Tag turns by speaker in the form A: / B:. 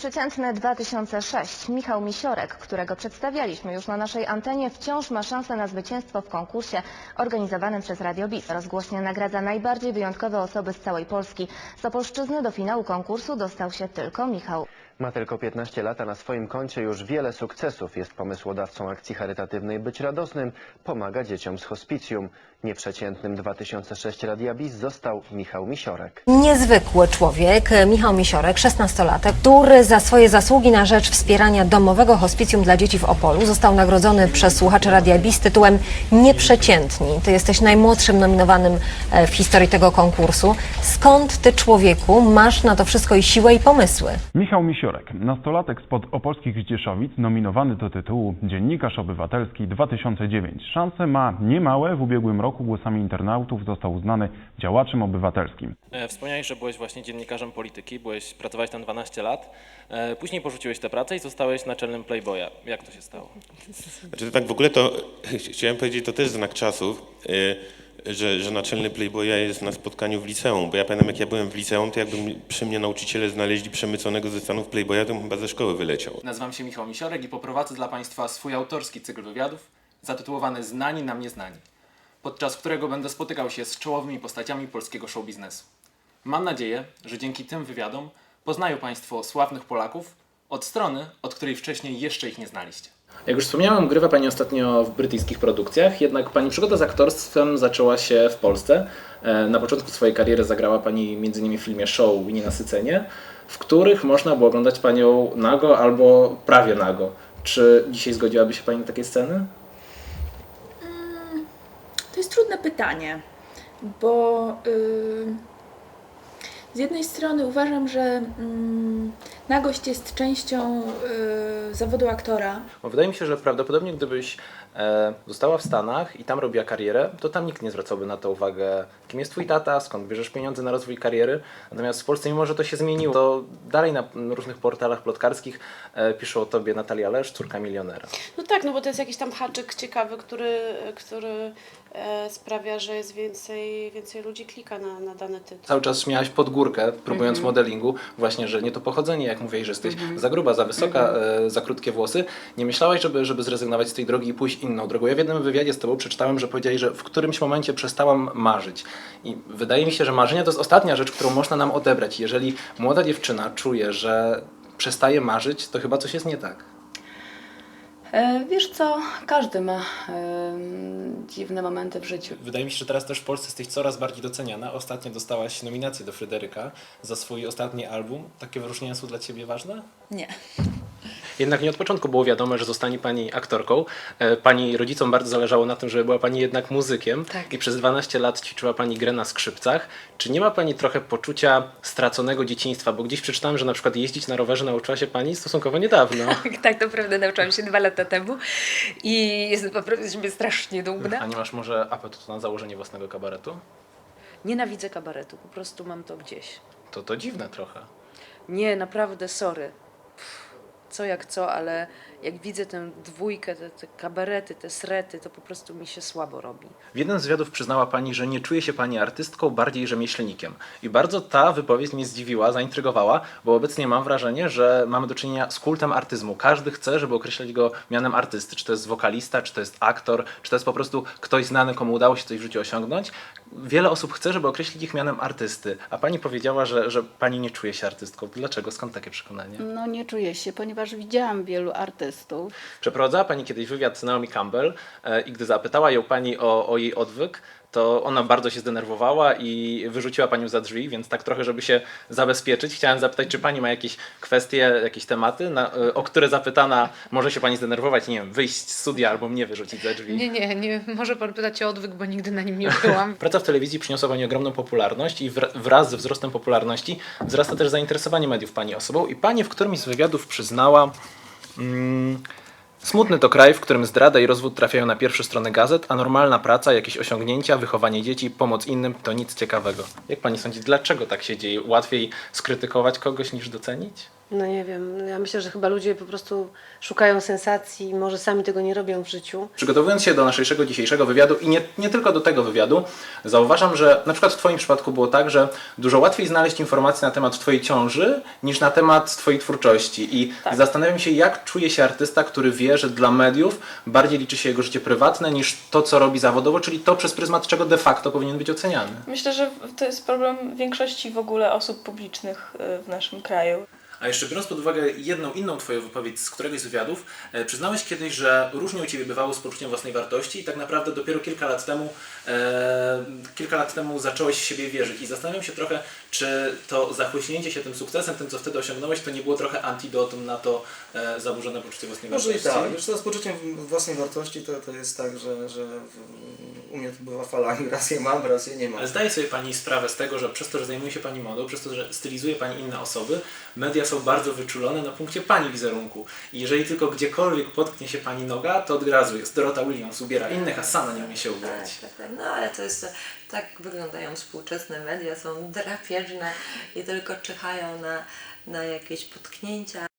A: Nieprzeciętny 2006. Michał Misiorek, którego przedstawialiśmy już na naszej antenie, wciąż ma szansę na zwycięstwo w konkursie organizowanym przez Radio BIS. Rozgłośnie nagradza najbardziej wyjątkowe osoby z całej Polski. Z Opolszczyzny do finału konkursu dostał się tylko Michał.
B: Ma tylko 15 lat, a na swoim koncie już wiele sukcesów. Jest pomysłodawcą akcji charytatywnej Być Radosnym. Pomaga dzieciom z hospicjum. Nieprzeciętnym 2006 Radia BIS został Michał Misiorek.
C: Niezwykły człowiek, Michał Misiorek, 16-latek, który za swoje zasługi na rzecz wspierania domowego hospicjum dla dzieci w Opolu został nagrodzony przez słuchaczy Radia BIS tytułem Nieprzeciętni. Ty jesteś najmłodszym nominowanym w historii tego konkursu. Skąd ty, człowieku, masz na to wszystko i siłę i pomysły?
D: Michał Misiorek, nastolatek spod opolskich Zdzieszowic, nominowany do tytułu Dziennikarz Obywatelski 2009. Szanse ma niemałe. W ubiegłym roku głosami internautów został uznany działaczem obywatelskim.
E: Wspomniałeś, że byłeś właśnie dziennikarzem polityki, pracowałeś tam 12 lat, później porzuciłeś tę pracę i zostałeś naczelnym Playboya. Jak to się stało?
F: Znaczy, tak w ogóle to chciałem powiedzieć, to też znak czasów, że naczelny Playboya jest na spotkaniu w liceum, bo ja pamiętam, jak ja byłem w liceum, to jakby przy mnie nauczyciele znaleźli przemyconego ze Stanów Playboya, to bym chyba ze szkoły wyleciał.
G: Nazywam się Michał Misiorek i poprowadzę dla Państwa swój autorski cykl wywiadów zatytułowany Znani nam nieznani, podczas którego będę spotykał się z czołowymi postaciami polskiego show biznesu. Mam nadzieję, że dzięki tym wywiadom poznają Państwo sławnych Polaków od strony, od której wcześniej jeszcze ich nie znaliście. Jak już wspomniałem, grywa Pani ostatnio w brytyjskich produkcjach, jednak Pani przygoda z aktorstwem zaczęła się w Polsce. Na początku swojej kariery zagrała Pani m.in. w filmie Show i Nienasycenie, w których można było oglądać Panią nago albo prawie nago. Czy dzisiaj zgodziłaby się Pani na takie sceny?
H: To jest trudne pytanie, bo z jednej strony uważam, że nagość jest częścią zawodu aktora.
G: Bo wydaje mi się, że prawdopodobnie gdybyś została w Stanach i tam robiła karierę, to tam nikt nie zwracałby na to uwagę, kim jest twój tata, skąd bierzesz pieniądze na rozwój kariery. Natomiast w Polsce, mimo że to się zmieniło, to dalej na różnych portalach plotkarskich piszą o tobie Natalia Lesz, córka milionera.
I: No tak, no bo to jest jakiś tam haczyk ciekawy, który sprawia, że jest więcej ludzi klika na dany tytuł.
G: Cały czas miałaś pod górkę, próbując modelingu, właśnie, że nie to pochodzenie, jak mówiłeś, że jesteś za gruba, za wysoka, za krótkie włosy. Nie myślałaś, żeby zrezygnować z tej drogi i pójść inną drogą. Ja w jednym wywiadzie z tobą przeczytałem, że powiedziałeś, że w którymś momencie przestałam marzyć. I wydaje mi się, że marzenie to jest ostatnia rzecz, którą można nam odebrać. Jeżeli młoda dziewczyna czuje, że przestaje marzyć, to chyba coś jest nie tak.
I: Wiesz co, każdy ma dziwne momenty w życiu.
G: Wydaje mi się, że teraz też w Polsce jesteś coraz bardziej doceniana. Ostatnio dostałaś nominację do Fryderyka za swój ostatni album. Takie wyróżnienia są dla Ciebie ważne?
H: Nie.
G: Jednak nie od początku było wiadomo, że zostanie Pani aktorką. Pani rodzicom bardzo zależało na tym, żeby była Pani jednak muzykiem.
I: Tak.
G: I przez 12 lat ćwiczyła Pani grę na skrzypcach. Czy nie ma Pani trochę poczucia straconego dzieciństwa? Bo gdzieś przeczytałem, że na przykład jeździć na rowerze nauczyła się Pani stosunkowo niedawno.
H: Tak, to prawda, nauczyłam się 2 lata temu i jestem naprawdę z siebie strasznie dumna.
G: A nie masz może apetytu na założenie własnego kabaretu?
I: Nienawidzę kabaretu, po prostu mam to gdzieś.
G: To dziwne trochę.
I: Nie, naprawdę, sorry. Co jak co, ale jak widzę tę dwójkę, te kabarety, te srety, to po prostu mi się słabo robi.
G: W jednym z wywiadów przyznała Pani, że nie czuje się Pani artystką, bardziej rzemieślnikiem. I bardzo ta wypowiedź mnie zdziwiła, zaintrygowała, bo obecnie mam wrażenie, że mamy do czynienia z kultem artyzmu. Każdy chce, żeby określać go mianem artysty. Czy to jest wokalista, czy to jest aktor, czy to jest po prostu ktoś znany, komu udało się coś w życiu osiągnąć. Wiele osób chce, żeby określić ich mianem artysty. A Pani powiedziała, że Pani nie czuje się artystką. Dlaczego? Skąd takie przekonanie?
J: No nie czuję się, ponieważ widziałam wielu artystów.
G: Przeprowadzała Pani kiedyś wywiad z Naomi Campbell i gdy zapytała ją Pani o jej odwyk, to ona bardzo się zdenerwowała i wyrzuciła Panią za drzwi, więc tak trochę, żeby się zabezpieczyć, chciałem zapytać, czy Pani ma jakieś kwestie, jakieś tematy, o które zapytana może się Pani zdenerwować, nie wiem, wyjść z studia albo mnie wyrzucić za drzwi.
I: Nie, może pan pytać o odwyk, bo nigdy na nim nie byłam.
G: Praca w telewizji przyniosła Pani ogromną popularność i wraz ze wzrostem popularności wzrasta też zainteresowanie mediów Pani osobą i Pani w którymś z wywiadów przyznała... Smutny to kraj, w którym zdrada i rozwód trafiają na pierwsze strony gazet, a normalna praca, jakieś osiągnięcia, wychowanie dzieci, pomoc innym to nic ciekawego. Jak Pani sądzi, dlaczego tak się dzieje? Łatwiej skrytykować kogoś niż docenić?
K: No nie wiem, ja myślę, że chyba ludzie po prostu szukają sensacji i może sami tego nie robią w życiu.
G: Przygotowując się do naszego dzisiejszego wywiadu i nie tylko do tego wywiadu, zauważam, że na przykład w Twoim przypadku było tak, że dużo łatwiej znaleźć informacje na temat Twojej ciąży niż na temat Twojej twórczości. I zastanawiam się, jak czuje się artysta, który wie, że dla mediów bardziej liczy się jego życie prywatne niż to, co robi zawodowo, czyli to, przez pryzmat czego de facto powinien być oceniany.
L: Myślę, że to jest problem większości w ogóle osób publicznych w naszym kraju.
G: A jeszcze biorąc pod uwagę jedną inną Twoją wypowiedź z któregoś z wywiadów, przyznałeś kiedyś, że różnie u Ciebie bywało z poczuciem własnej wartości i tak naprawdę dopiero kilka lat temu zacząłeś w siebie wierzyć. I zastanawiam się trochę, czy to zachłyśnięcie się tym sukcesem, tym co wtedy osiągnąłeś, to nie było trochę antidotum na to zaburzone poczucie własnej wartości?
M: Może i tak. Wiesz co, z poczuciem własnej wartości to jest tak, że u mnie to bywa falami. Raz je mam, raz je nie mam.
G: Ale zdaje sobie Pani sprawę z tego, że przez to, że zajmuje się Pani modą, przez to, że stylizuje Pani inne osoby, media są bardzo wyczulone na punkcie Pani wizerunku. I jeżeli tylko gdziekolwiek potknie się Pani noga, to od razu jest Dorota Williams ubiera innych, a sama nie umie się ubierać.
N: Tak. No ale to jest, tak wyglądają współczesne media, są drapieżne i tylko czyhają na jakieś potknięcia.